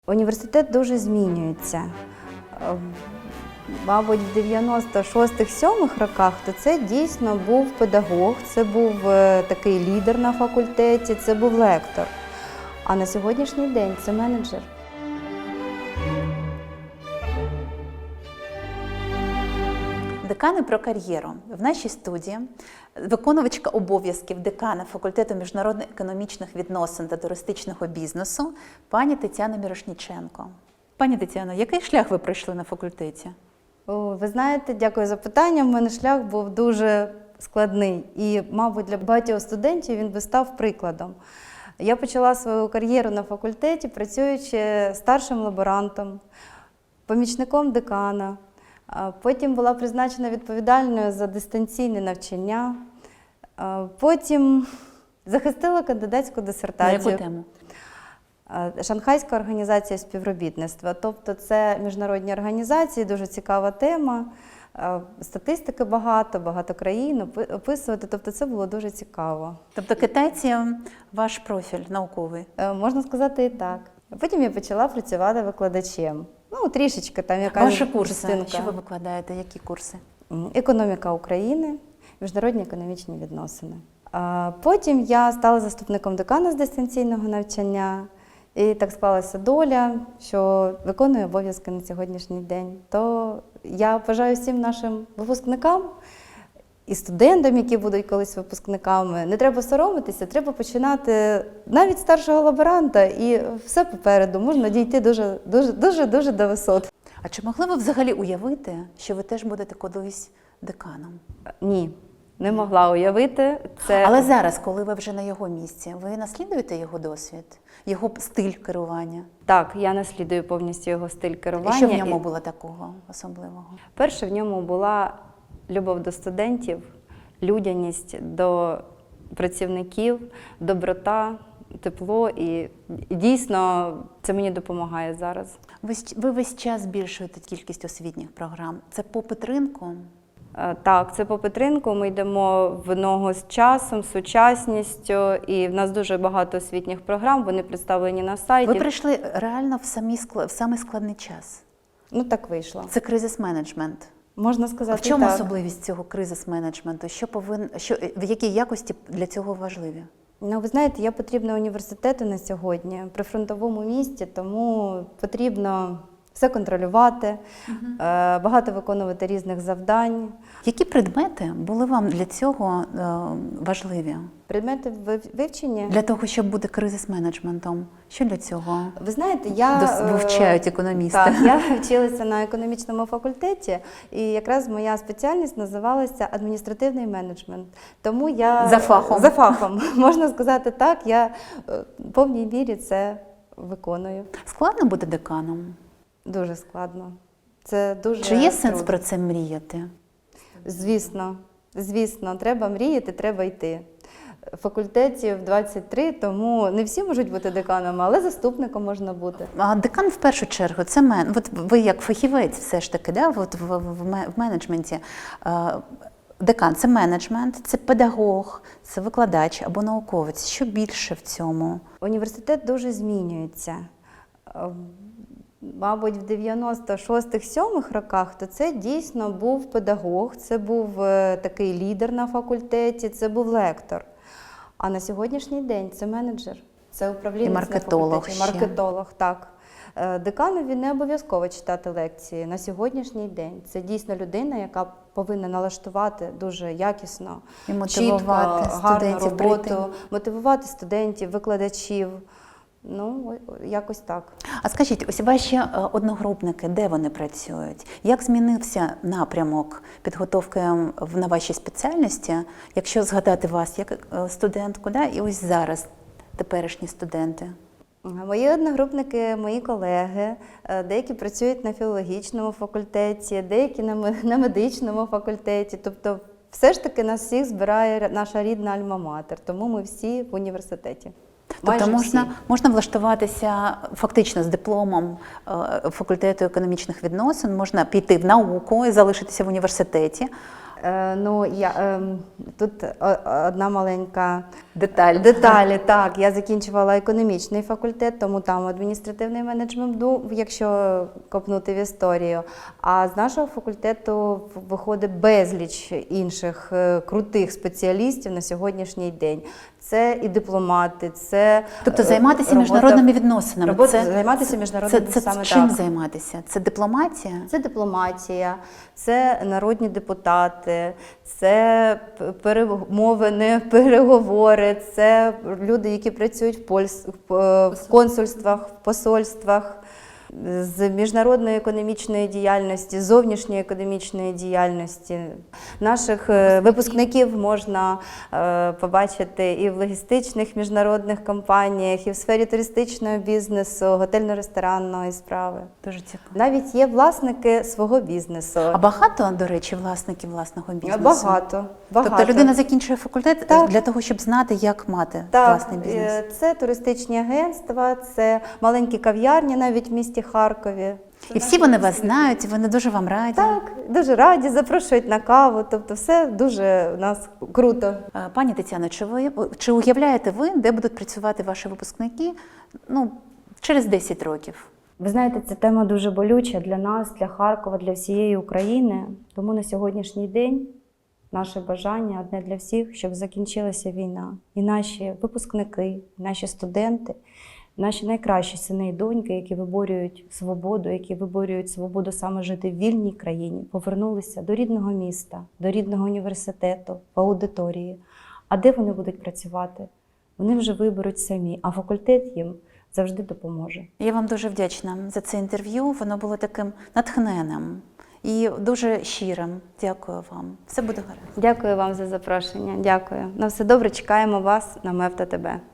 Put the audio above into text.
Університет дуже змінюється. Мабуть, в 96-7 роках то це дійсно був педагог, це був такий лідер на факультеті, це був лектор. А на сьогоднішній день це менеджер. Декани про кар'єру. В нашій студії виконувачка обов'язків декана факультету міжнародних економічних відносин та туристичного бізнесу пані Тетяна Мірошніченко. Пані Тетяно, який шлях ви пройшли на факультеті? Ви знаєте, дякую за питання. У мене шлях був дуже складний і, мабуть, для багатьох студентів він би став прикладом. Я почала свою кар'єру на факультеті, працюючи старшим лаборантом, помічником декана. Потім була призначена відповідальною за дистанційне навчання. Потім захистила кандидатську дисертацію. На яку тему? Шанхайська організація співробітництва. Тобто це міжнародні організації, дуже цікава тема. Статистики багато країн описувати. Тобто це було дуже цікаво. Тобто китайці – ваш профіль науковий? Можна сказати і так. Потім я почала працювати викладачем. Ну, трішечки там якась Ваші курси, частинка. що ви викладаєте, які курси? Економіка України, міжнародні економічні відносини. Потім я стала заступником декана з дистанційного навчання. І так склалася доля, що виконую обов'язки на сьогоднішній день. То я бажаю всім нашим випускникам і студентам, які будуть колись випускниками, не треба соромитися, треба починати навіть з старшого лаборанта, і все попереду, можна дійти дуже до висот. А чи могли ви взагалі уявити, що ви теж будете колись деканом? Ні, не могла уявити. Але зараз, коли ви вже на його місці, ви наслідуєте його досвід, його стиль керування? Так, я наслідую повністю його стиль керування. І що в ньому було такого особливого? Перше, в ньому була любов до студентів, людяність до працівників, доброта, тепло. І дійсно це мені допомагає зараз. Ви весь час збільшуєте кількість освітніх програм. Це попит ринку? Так, це попит ринку. Ми йдемо в ногу з часом, з сучасністю. І в нас дуже багато освітніх програм, вони представлені на сайті. Ви прийшли реально в самий складний час. Ну, так вийшло. Це кризис-менеджмент. Можна сказати, в чому так. особливість цього кризис-менеджменту? В якій якості для цього важливі? Ну, ви знаєте, я потрібна університету на сьогодні, при фронтовому місті, тому потрібно все контролювати, багато виконувати різних завдань. Які предмети були вам для цього важливі? Предмети вивчення? Для того, щоб бути кризис-менеджментом. Що для цього Ви знаєте, вивчають економісти? Так, я вчилася на економічному факультеті, і якраз моя спеціальність називалася адміністративний менеджмент. Тому я За фахом, можна сказати так, я в повній мірі це виконую. Складно бути деканом? Дуже складно. Це дуже Чи є сенс трудно. про це мріяти? Звісно, треба мріяти, треба йти. Факультетів 23, тому не всі можуть бути деканами, але заступником можна бути. А декан в першу чергу, це от ви як фахівець все ж таки, да? От в менеджменті. Декан – це менеджмент, це педагог, це викладач або науковець. Що більше в цьому? Університет дуже змінюється. Мабуть, в 96-7 роках то це дійсно був педагог, це був такий лідер на факультеті, це був лектор. А на сьогоднішній день це менеджер, це управлінець І маркетолог на факультеті. ще. Маркетолог, так. Деканові не обов'язково читати лекції на сьогоднішній день. Це дійсно людина, яка повинна налаштувати дуже якісно, І мотивувати чітко, гарну студентів роботу, прийти. мотивувати студентів, викладачів. Ну, якось так. А скажіть, ось ваші одногрупники, де вони працюють? Як змінився напрямок підготовки на вашій спеціальності, якщо згадати вас як студентку, да? І ось зараз теперішні студенти? Мої одногрупники, мої колеги, деякі працюють на філологічному факультеті, деякі на медичному факультеті. Тобто все ж таки нас всіх збирає наша рідна альма-матер, тому ми всі в університеті. Тобто можна влаштуватися фактично з дипломом факультету економічних відносин, можна піти в науку і залишитися в університеті, Тут одна маленька Деталь. Так, я закінчувала економічний факультет, тому там адміністративний менеджмент був, якщо копнути в історію. А з нашого факультету виходить безліч інших крутих спеціалістів на сьогоднішній день. Це і дипломати, це Тобто займатися міжнародними відносинами. Займатися міжнародними саме чим так. займатися? Це дипломатія? Це дипломатія, це народні депутати, це перемовини, переговори, це люди, які працюють в консульствах, в посольствах, з міжнародної економічної діяльності, зовнішньої економічної діяльності. Наших випускників можна побачити і в логістичних міжнародних компаніях, і в сфері туристичного бізнесу, готельно-ресторанної справи. Дуже цікаво. Навіть є власники свого бізнесу. А багато, до речі, власників власного бізнесу? Багато. Тобто людина закінчує факультет Так. для того, щоб знати, як мати Так, власний бізнес? це туристичні агентства, це маленькі кав'ярні навіть в місті Харкові. І всі вони вас знають, і вони дуже вам раді. Так, дуже раді, запрошують на каву, тобто все дуже у нас круто. Пані Тетяно, чи уявляєте ви, де будуть працювати ваші випускники через 10 років? Ви знаєте, ця тема дуже болюча для нас, для Харкова, для всієї України. Тому на сьогоднішній день наше бажання одне для всіх, щоб закінчилася війна. І наші випускники, і наші студенти, наші найкращі сини і доньки, які виборюють свободу саме жити в вільній країні, повернулися до рідного міста, до рідного університету, по аудиторії. А де вони будуть працювати? Вони вже виберуть самі, а факультет їм завжди допоможе. Я вам дуже вдячна за це інтерв'ю. Воно було таким натхненним і дуже щирим. Дякую вам. Все буде гаразд. Дякую вам за запрошення. Дякую. На все добре, чекаємо вас на МЕФ ТТБ.